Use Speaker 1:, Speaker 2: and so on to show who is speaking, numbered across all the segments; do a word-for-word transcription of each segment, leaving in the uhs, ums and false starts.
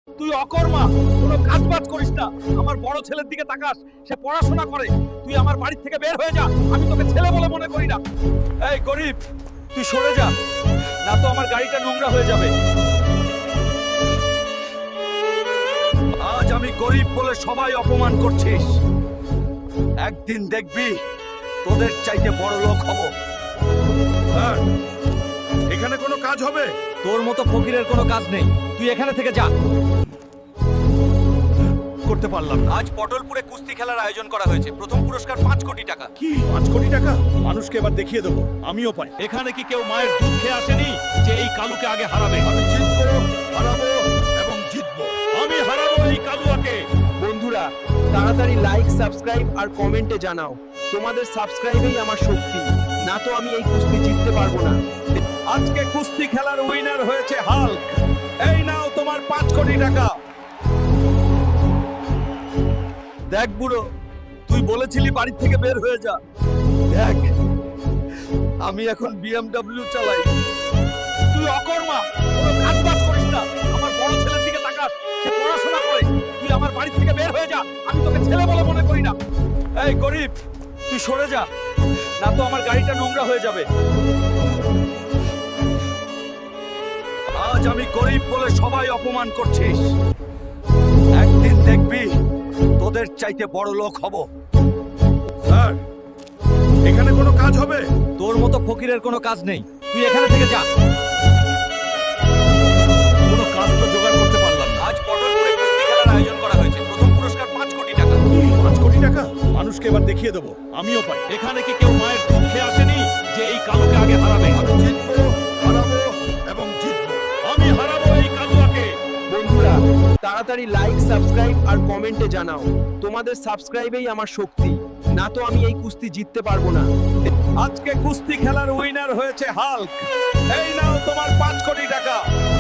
Speaker 1: তুই অকর্মা, কোনো কাজ বাজ করিস না। আমার বড় ছেলের দিকে তাকাস, সে পড়াশোনা করে। তুই আমার বাড়ি থেকে বের হয়ে যা, আমি তোকে ছেলে বলে মনে করি না। এই গরিব, তুই সরে যা, না তো আমার গাড়িটা নোংরা হয়ে যাবে। আজ আমি গরিব বলে সবাই অপমান করছিস, একদিন দেখবি তোদের চাইতে বড় লোক হব।
Speaker 2: স্যার, এখানে কোনো কাজ হবে?
Speaker 1: তোর মতো ফকিরের কোনো কাজ নেই, তুই এখানে থেকে যা।
Speaker 2: করতে পারলাম না।
Speaker 1: আজ পটলপুরে কুস্তি খেলার আয়োজন করা হয়েছে, প্রথম পুরস্কার পাঁচ কোটি টাকা।
Speaker 2: কি পাঁচ কোটি টাকা? মানুষকে এবার দেখিয়ে দেবো আমিও পাই।
Speaker 1: এখানে কি কেউ মায়ের দুধ খেয়ে আসেনি যে এই কালুকে আগে হারাবে?
Speaker 2: আমি জিতবো, হারাবো এবং জিতবো।
Speaker 1: আমি হারাবো এই কালুয়াকে।
Speaker 3: বন্ধুরা, তাড়াতাড়ি লাইক, সাবস্ক্রাইব আর কমেন্টে জানাও, তোমাদের সাবস্ক্রাইবেই আমার শক্তি, না তো আমি এই কুস্তি জিততে পারবো না।
Speaker 1: আজকে কুস্তি খেলার উইনার হয়েছে হাল্ক। এই নাও তোমার পাঁচ কোটি টাকা। দেখ বুড়ো, তুই বলেছিলি বাড়ি থেকে বের হয়ে যা। দেখ, আমি এখন বিএমডব্লিউ চালাই। তুই অকর্মা, কোনো কাজ বাজ করিস না। আমার বড় ছেলের দিকে তাকাস, সে পড়াশোনা করে। তুই আমার বাড়ি থেকে বের হয়ে যা, আমি তোকে ছেলে বলে মনে করি না। এই গরিব, তুই সরে যা, না তো আমার গাড়িটা নোংরা হয়ে যাবে। আজ আমি গরিব বলে সবাই অপমান করছিস, একদিন দেখবি তোদের চাইতে বড় লোক হব।
Speaker 2: স্যার, এখানে কোনো কাজ হবে?
Speaker 1: তোর মতো ফকিরের কোনো কাজ নেই, তুই এখানে থেকে যা।
Speaker 2: কোনো কাজ তো জোগাড় করতে পারলাম না।
Speaker 1: আজ পটলপুরে কুস্তি খেলার আয়োজন করা হয়েছে, প্রথম পুরস্কার পাঁচ কোটি টাকা।
Speaker 2: কি পাঁচ কোটি টাকা? মানুষকে এবার দেখিয়ে দেবো আমিও পাই।
Speaker 1: এখানে কি কেউ মায়ের দুধ খেয়ে আসেনি যে এই কালুকে আগে হারাবে?
Speaker 2: আমি জিতবো, হারাবো এবং জিতবো।
Speaker 1: আমি হারাবো এই কালুয়াকে।
Speaker 3: বন্ধুরা, তাড়াতাড়ি লাইক, সাবস্ক্রাইব আর কমেন্টে জানাও, তোমাদের সাবস্ক্রাইবেই আমার শক্তি, না তো আমি এই কুস্তি জিততে পারবো না।
Speaker 1: আজকে কুস্তি খেলার উইনার হয়েছে হাল্ক। এই নাও তোমার পাঁচ কোটি টাকা।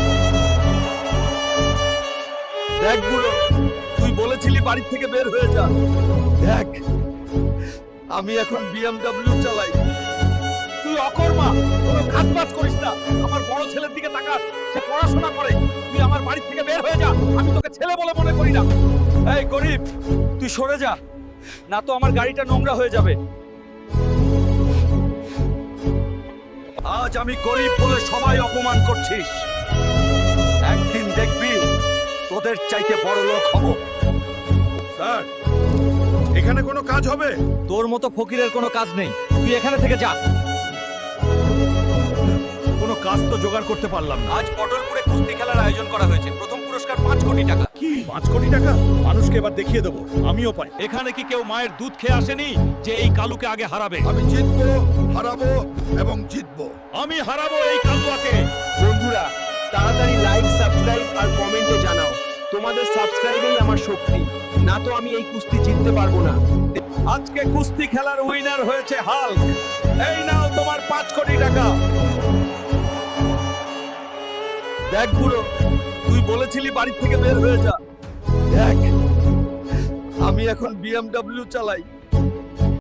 Speaker 1: দেখ বুড়ো, তুই বলেছিলি বাড়ি থেকে বের হয়ে যা। দেখ, আমি এখন বিএমডব্লিউ চালাই। তুই অকর্মা, কোনো কাজ বাজ করিস না। আমার বড় ছেলের দিকে তাকাস, সে পড়াশোনা করে। তুই আমার বাড়ি থেকে বের হয়ে যা, আমি তোকে ছেলে বলে মনে করি না। এই গরিব, তুই সরে যা, না তো আমার গাড়িটা নোংরা হয়ে যাবে। আজ আমি গরিব বলে সবাই অপমান করছিস, একদিন দেখবি তোদের চাইতে বড় লোক হব।
Speaker 2: স্যার, এখানে কোনো কাজ হবে?
Speaker 1: তোর মতো ফকিরের কোনো কাজ নেই, তুই এখানে থেকে যা।
Speaker 2: কোনো কাজ তো জোগাড় করতে পারলাম না।
Speaker 1: আজ পটলপুরে কুস্তি খেলার আয়োজন করা হয়েছে, প্রথম পুরস্কার পাঁচ কোটি টাকা।
Speaker 2: কি পাঁচ কোটি টাকা? মানুষকে এবার দেখিয়ে দেবো আমিও পাই।
Speaker 1: এখানে কি কেউ মায়ের দুধ খেয়ে আসেনি যে এই কালুকে আগে হারাবে?
Speaker 2: আমি জিতবো, হারাবো এবং জিতবো।
Speaker 1: আমি হারাবো এই কালুয়াকে।
Speaker 3: বন্ধুরা, তাড়াতাড়ি লাইক, সাবস্ক্রাইব আর কমেন্টে জানাও, তোমাদের সাবস্ক্রাইবেই আমার শক্তি, না তো আমি এই কুস্তি জিততে পারবো না।
Speaker 1: আজকে কুস্তি খেলার উইনার হয়েছে হাল্ক। এই নাও তোমার পাঁচ কোটি টাকা। দেখ বুড়ো, তুই বলেছিলি বাড়ি থেকে বের হয়ে যা। দেখ, আমি এখন বিএমডব্লিউ চালাই।